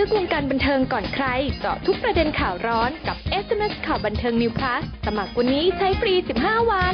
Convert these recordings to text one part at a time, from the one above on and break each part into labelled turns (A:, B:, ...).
A: กวงการบันเทิงก่อนใครเจาะทุกประเด็นข่าวร้อนกับ SMS ข่าวบันเทิง New Plus สมัครวันนี้ใช้ฟรี 15 วัน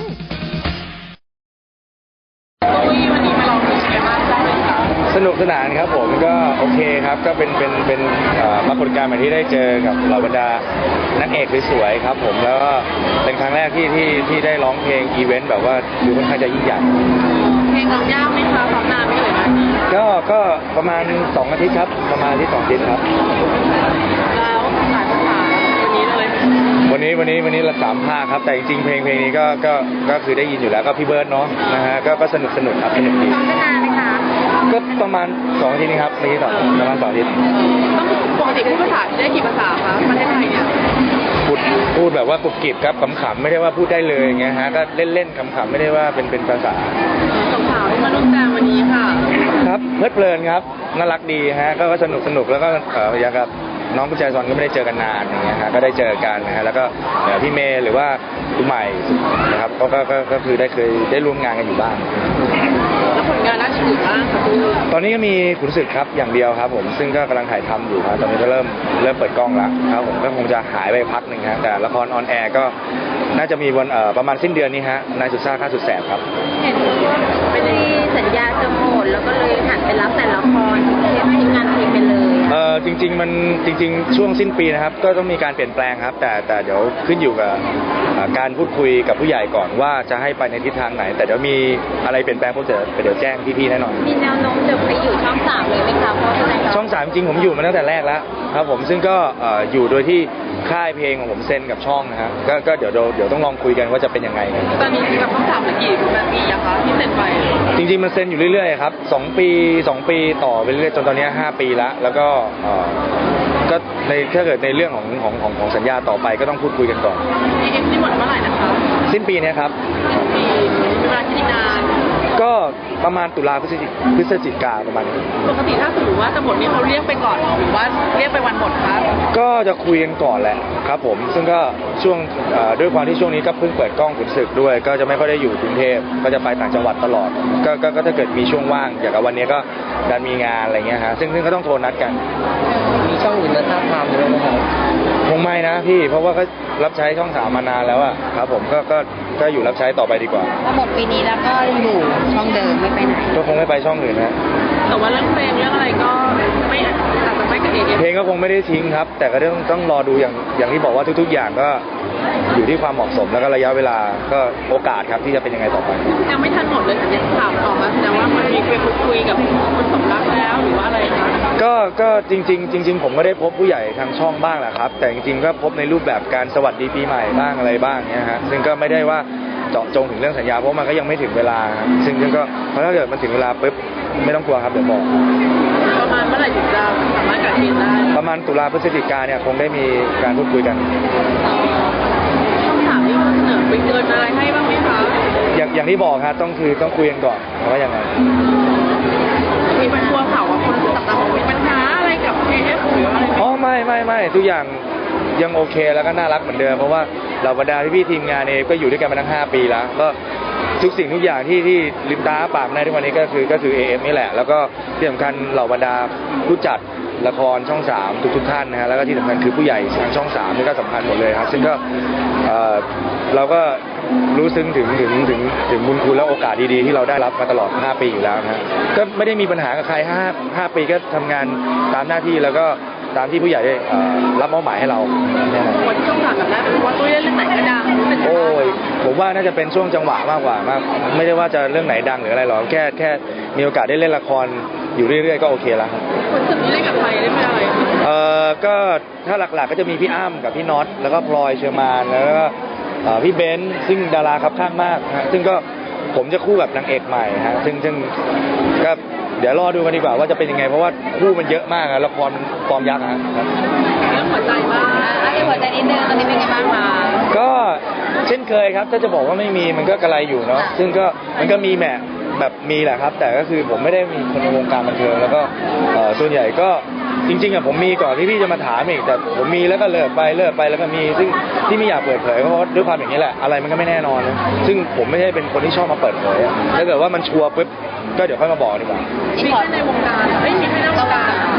B: วันนี้มาลองดูชิมากได้ไหมคะ
C: สนุกสนานครับผมก็โอเคครับก็เป็นปรากฏการณ์ใหม่ที่ได้เจอกับเหล่าบรรดานักเอกสวยๆครับผมแล้วก็เป็นครั้งแรกที่ได้ร้องเพลงอีเวนต์แบบว่าดูค่อนข้างจะยิ่งใหญ่
B: เพลงร้องยากไหมคะซ้อมนานไม่เลยนะ
C: ก็ประมาณ2 อาทิตย์ครับประมาณที่2 อาทิตย์ครับ
B: แล้วหลายภาษาวันนี้เลย
C: วันนี้ละ3 ภาคครับแต่จริงๆเพลงนี้ก็คือได้ยินอยู่แล้วก็พี่เบิร์ดเนาะนะฮะก็สนุกครับสนุกดี
B: ซ้อมนานไหมคะ
C: ก็ประมาณ2 อาทิตย์นี้ครับไม่ใช่ประมาณ2 อาทิตย์
B: ต้องปกติพูดภาษาได้กี่ภาษาคะประเทศไทยเนี่ย
C: พูดแบบว่ากรุบกริบครับขำๆไม่ได้ว่าพูดได้เลยอย่างเงี้ยฮะก็เล่นๆขำๆไม่ได้ว่าเป็นภาษา
B: สาวๆที่มาร่วมแจมวันนี้ค่ะ
C: ครับเพลิดเพลินครับน่ารักดีฮะก็สนุกแล้วก็อย่างกับน้องกุญแจซอนก็ไม่ได้เจอกันนานอย่างเงี้ยฮะก็ได้เจอกันนะฮะแล้วก็พี่เมย์หรือว่าคุณใหม่นะครับก็คือเคยได้ร่วมงานกันอยู่บ้าง
B: แล้วผลงานล่าสุดบ้างคะ
C: ตอนนี้ก็มีขุนศึกครับอย่างเดียวครับผมซึ่งก็กำลังถ่ายทำอยู่ครับตอนนี้ก็เริ่มเปิดกล้องแล้วครับผมก็คงจะหายไปพักหนึ่งครับแต่ละครออนแอร์ก็น่าจะมีวันประมาณสิ้นเดือนนี้ฮะนายสุดซ่าข้าสุดแสบครับ
B: เห็นว่าไม่ได้สัญญาจะหมดแล้วก็เลยหันไปรับแต่ละครทิ้งงานเพลงไปเลย
C: จริงช่วงสิ้นปีนะครับก็ต้องมีการเปลี่ยนแปลงครับแต่เดี๋ยวขึ้นอยู่กับการพูดคุยกับผู้ใหญ่ก่อนว่าจะให้ไปในทิศทางไหนแต่เดี๋ยวมีอะไรเปลี่ยนแปลงผมจะเดี๋ยวแจ้งพี่ๆแน่นอน
B: มีแนวโน้มจะไปอยู่ช่อง3เลยไหมคะเพราะ
C: ช่อง3จริงผมอยู่มาตั้งแต่แรกแล้วครับผมซึ่งก็อยู่โดยที่ค่ายเพลงของผมเซ็นกับช่องนะฮะก็เดี๋ยวต้องลองคุยกันว่าจะเป็นยังไง
B: ตอนนี้กับช่อง3กี่ปีอะคะที่เซ็นไป
C: จริงๆมันเซ็นอยู่เรื่อยๆครับ2 ปีต่อไปเรื่อยๆจนตอนนี้5 ปีแล้วก็ถ้าเกิดในเรื่องของสัญญาต่อไปก็ต้องพูดคุยกันก่อน
B: ที่หมดเมื่อไหร่นะคะ
C: สิ้นปีนี้ครับ
B: ปีเวลาที่นาน
C: ก็ประมาณตุลาพฤศจิกาประมาณนี้
B: ปกติถ้าสมมติว่าจะหมดนี่เขาเรียกไปก่อนหรือว่าเรียกไปวันหมดคะ
C: ก็จะคุยกันก่อนแหละครับผมซึ่งก็ช่วงด้วยความที่ช่วงนี้ก็เพิ่งเปิดกล้องขุนศึกด้วยก็จะไม่ค่อยได้อยู่กรุงเทพก็จะไปต่างจังหวัดตลอดก็ถ้าเกิดมีช่วงว่างอย่างกับวันนี้ก็การมีงานอะไรเงี้ยฮะซึ่งก็ต้องโทรนัดกัน
B: มีช่องอื่นมาท้าทามด้วยไหมครับ
C: คงไม่นะพี่เพราะว่าก็รับใช้ช่อง3มานานแล้วอะครับผมก็อยู่รับใช้ต่อไปดีกว่า
B: ถ้าหมดปีนี้แล้วก็อยู่ช่องเดิมไม่ไปไหน
C: ก็คงไม่ไปช่องอื่นนะ
B: แต่ว่าเรื่องเพลงเรื่องอะไรก็ไม่อาจจะไม่กับ
C: เพลงก็คงไม่ได้ทิ้งครับแต่ก็ต้องรอดูอย่างที่บอกว่าทุกๆอย่างก็อยู่ที่ความเหมาะสมแล้วก็ระยะเวลาก็โอกาสครับที่จะเป็นยังไงต่อไป
B: ยังไม่ทันหมดเลยแต่ยังข่าวออกมาแสดงว่ามันมีคุยกับคนสมรักแล้วหรือว่าอะไรคะ
C: ก็จริงผมก็ได้พบผู้ใหญ่ทางช่องบ้างแหละครับแต่จริงๆก็พบในรูปแบบการสวัสดีปีใหม่บ้างอะไรบ้างเนี่ยฮะซึ่งก็ไม่ได้ว่าเจาะจงถึงเรื่องสัญญาเพราะมันก็ยังไม่ถึงเวลาซึ่งก็เพราะถ้าเกิดมันถึงเวลาปุ๊บไม่ต้องกลัวครับเดี๋ยวบอก
B: ประมาณเมื่อไหร่ถึงจะสามารถกระเทียนได้
C: ประมาณตุลาพฤศจิกาเนี่ยคงได้มีการพูดคุยกัน
B: ช่อง3นี่เสนอไปเกินอะไรให้บ้างไหมคะ
C: อย่างที่บอกครับต้องคุยกันก่อนว่ายังไง
B: มีปัญหาข่าวว่าคนต่างๆมีปัญหาอะไรกับ KF หรืออะไร
C: อ๋อไม่ทุกอย่างยังโอเคแล้วก็น่ารักเหมือนเดิมเพราะว่าเหล่าบรรดาพี่ทีมงานเองก็อยู่ด้วยกันมาตั้ง5 ปีแล้วก็ทุกสิ่งทุกอย่างที่ลืมตาปากในทุกวันนี้ก็คือ AF นี่แหละแล้วก็ที่สำคัญเหล่าบรรดาผู้จัดละครช่อง3ทุกท่านนะฮะแล้วก็ที่สำคัญคือผู้ใหญ่ทางช่อง3นี่ก็สำคัญหมดเลยครับซึ่งก็เราก็รู้ซึ้งถึงบุญคุณและโอกาสดีๆที่เราได้รับมาตลอด5 ปีอยู่แล้วนะก็ไม่ได้มีปัญหากับใคร5 ปีก็ทำงานตามหน้าที่แล้วก็ตามที่ผู้ใหญ่ได้รับมอบหมายให้เรา
B: วันที่ช่อง3แบบนั้นเป็นว่าตัวเรื่องไหนก็ดัง
C: โอ้ยผมว่าน่าจะเป็นช่วงจังหวะมากกว่ามากไม่ได้ว่าจะเรื่องไหนดังหรืออะไรหรอกแค่มีโอกาสได้เล่นละครอยู่เรื่อยๆก็โอเคแล้วครับ
B: คุณสุดนี้เล่นกับใครเล่นเป็นอะไร
C: ก็ถ้าหลักๆก็จะมีพี่อ้ำกับพี่น็อตแล้วก็พลอยเชอร์มานแล้วก็พี่เบนซ์ซึ่งดาราครับข้างมากฮะซึ่งก็ผมจะคู่กับนางเอกใหม่ฮะซึ่งก็เดี๋ยวรอดูกันดีกว่าว่าจะเป็นยังไงเพราะว่าคู่มันเยอะมากละครฟอร์มยักษ์ฮะ
B: เรื่องหัวใจบ้างหัวใจนิดนึงตอนนี้เป็นยังไงบ้างมา
C: ก็เช่นเคยครับถ้าจะบอกว่าไม่มีมันก็กระไรอยู่เนาะซึ่งก็มันก็มีแบบมีแหละครับแต่ก็คือผมไม่ได้มีคนในวงการบันเทิงแล้วก็ส่วนใหญ่ก็จริงๆผมมีก่อนที่พี่จะมาถามอีกแต่ผมมีแล้วก็เลิกไปแล้วก็มีซึ่งที่ไม่อยากเปิดเผยเพราะด้วยความอย่างนี้แหละอะไรมันก็ไม่แน่นอนนะซึ่งผมไม่ใช่เป็นคนที่ชอบมาเปิดเผยถ้าเกิดว่ามันชัวร์ปุ๊บก็เดี๋ยวค่อยมาบอกดีกว่า
B: มีแค่ในวงการไม่มีแค่ในวงการ
C: ในวง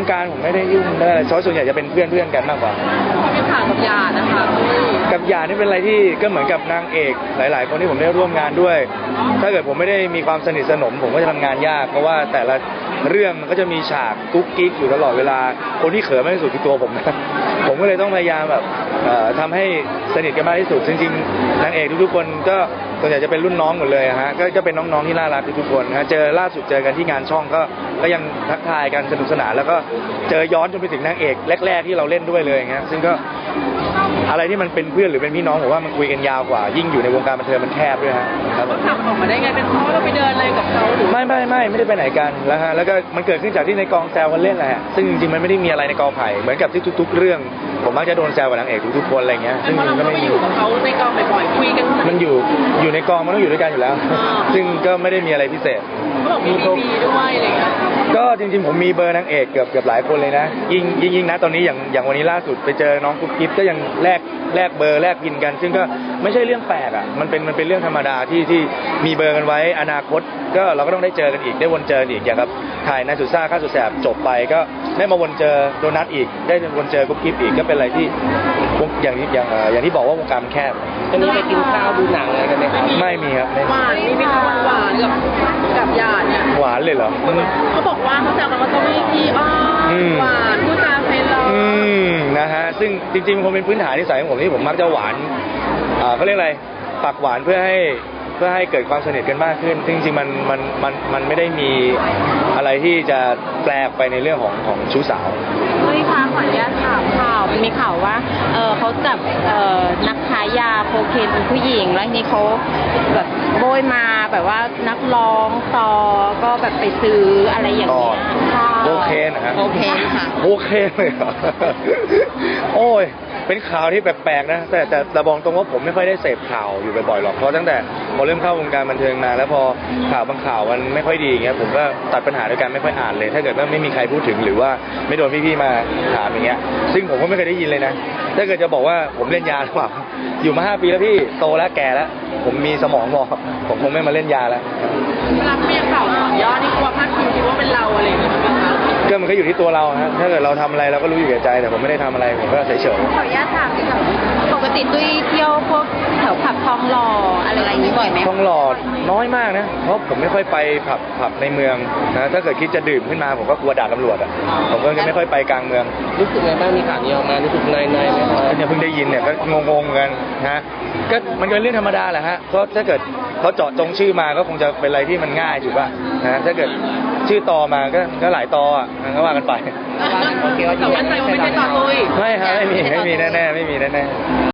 C: งการผมไม่ได้ยุ่งได้อะไรส่วนใหญ่จะเป็นเพื่อนกันมากกว่า
B: มีข่าวกับหยาดนะคะตุ้ย
C: กับหยาดนี่เป็นอะไรที่ก็เหมือนกับนางเอกหลาย ๆ คนที่ผมได้ร่วมงานด้วย ถ้าเกิดผมไม่ได้มีความสนิทสนมผมก็จะทำงานยากเพราะว่าแต่ละเรื่องมันก็จะมีฉากกุ๊กกิ๊กอยู่ตลอดเวลาคนที่เขินมากที่สุดคือตัวผมนะ ผมก็เลยต้องพยายามแบบทำให้สนิทกันมากที่สุดจริงๆนางเอกทุกๆคนก็ส่วนใหญ่จะเป็นรุ่นน้องหมดเลยฮะก็เป็นน้องๆที่น่ารักทุกๆคนฮะเจอล่าสุดเจอกันที่งานช่องก็ยังทักทายกันสนุกสนานแล้วก็เจอย้อนจนไปถึงนางเอกแรกๆที่เราเล่นด้วยเลยอย่างเงี้ยซึ่งก็อะไรที่มันเป็นเพื่อนหรือเป็นพี่น้องผมว่ามันคุยกันยาวกว่ายิ่งอยู่ในวงการบันเทิงมันแคบด้วยฮะครับ
B: เขาขับออกมาได้ไงเป็นเพราะเราไปเดินอะไรกับเขาหรือ
C: ไม่ได้ไปไหนกันแล้วฮะแล้วก็มันเกิดขึ้นจากที่ในกองแซวกันเล่นแหละฮะซึ่งจริงๆมันไม่ได้มีอะไรในกองไผ่เหมือนกับที่ทุกๆเรื่องผมมักจะโดนแซวกับนางเอกทุกๆคนอะไรเงี้ย
B: เป็
C: ซึ่
B: น
C: ง
B: เพราะ
C: จริ
B: เรา
C: งๆก็
B: ไม่
C: ไม่
B: อ
C: มี
B: ยู่กับเขาในกองบ่อยๆคุยกัน
C: มันอยู่ในกองมันต้องอยู่ด้วยกันอยู่แล้ว ซึ่งก็ไม่ได้มีอะไรพิเศษ
B: เขาบอกมีบีด้วยอะไรอย่างเงี้ย
C: ก็จริงๆผมมีเบอร์นางเอกเกือบหลายคนเลยนะยิ่งนะตอนนี้อย่างวันนี้ล่าสุดไปเจอน้องกุ๊กกิ๊บก็ยังแลกเบอร์แลกพินกัน ซึ่งก็ไม่ใช่เรื่องแปลกอ่ะมันเป็นเรื่องธรรมดาที่มีเบอร์กันไว้อนาคตก็เราก็ต้องได้เจอกันอีกได้วนเจออีกอย่างกับถ่ายนายสุดซ่าข้าสุดแสบจบไปก็ได้มาวนเจอโดนัทอีกได้วนเจอกุ๊กกิ๊บอีกก็เป็นอะไรที่อย่างที่บอกว่าวงการมันแคบ
D: วันนี้ไปกินข้าวดูหนังอะไรกันไหมครับ
C: ไม่มีครับไม่
B: หวานมีเป็นคนหวานกับหยาดเนี่ย
C: หวานเลยเหรอ
B: เขาบอกว่าเขาแซวกันว่าตุ้ยขี้อ้อนหวานพูดจาเฟรนด์เรา
C: นะฮะซึ่งจริงๆคงเป็นพื้นฐานนิสัยของผมที่ผมมักจะหวานเขาเรียกอะไรปากหวานเพื่อให้เกิดความสนิทกันมากขึ้นซึ่งจริงๆมันไม่ได้มีอะไรที่จะแปลกไปในเรื่องของชู้สาว
B: เฮ้ยคะขออนุญาตถามข่าวมันมีข่าวว่าเขาจับนักค้ายาโคเคนเป็นผู้หญิงแล้วทีนี้เขาแบบโบยมาแบบว่านักร้องต่อก็แบบไปซื้ออะไรอย่างเงี้ยค่ะ
C: โอเคนะฮะ
B: โอเคค่ะ
C: โอเคเลยเหรอ โอ้ยเป็นข่าวที่แปลกๆนะแต่บอกตรงว่าผมไม่ค่อยได้เสพข่าวอยู่บ่อยๆหรอกเพราะตั้งแต่พอเริ่มเข้าวงการบันเทิงมาแล้วพอข่าวบางข่าวมันไม่ค่อยดีอย่างเงี้ยผมก็ตัดปัญหาด้วยการไม่ค่อยอ่านเลย ถ้าเกิดว่าไม่มีใครพูดถึงหรือว่าไม่โดนพี่ๆมาถามอย่างเงี้ยซึ่งผมก็ไม่เคยได้ยินเลยนะถ้าเกิดจะบอกว่าผมเล่นยาหรือเปล่าอยู่มา5 ปีแล้วพี่โตแล้วแก่แล้วผมมีสมองพอผมคงไม่มาเล่นยาแล้ว
B: เวลาเขามีข่าวต่อยอดนี่กลัวพลาดพิงคิดว่าเป็นเราอะไรอย่างเงี้ยไหมคะ
C: ก็มันก็อยู่ที่ตัวเราฮะถ้าเกิดเราทำอะไรเราก็รู้อยู่แก่ใจแต่ผมไม่ได้ทำอะไรผมก็เฉย
B: ขออนุญาตถามดีกว่าปกติตุ้ยเที่ยวพวกแถวผับทองหล่ออะไรอย่างนี้บ่อยไหม
C: ๆต้องหลอดน้อยมากนะเพราะผมไม่ค่อยไปผับในเมืองนะถ้าเกิดคิดจะดื่มขึ้นมาผมก็กลัวด่าตำรวจอ่ะผมก็จะไม่ค่อยไปกลางเมือง
D: รู้สึกไงบ้างมีข่าวนี้ออกมารู้สึกนายไหมครับ
C: เนี่ยเพิ่งได้ยินเนี่ยก็งงๆกันนะก็มันก็เป็นเรื่องธรรมดาแหละฮะเพราะถ้าเกิดเขาเจาะจงชื่อมาก็คงจะเป็นอะไรที่มันง่ายถูกป่ะนะถ้าเกิดชื่อตอมาก็หลายตออ่ะก็ว่ากันไป
D: โอเคว่า
B: แต่ว่าใจว่าไม่ใช่ต่อตุ้ย
C: ไม่ฮะไม่มีแน่ๆไม่มีแน่ๆ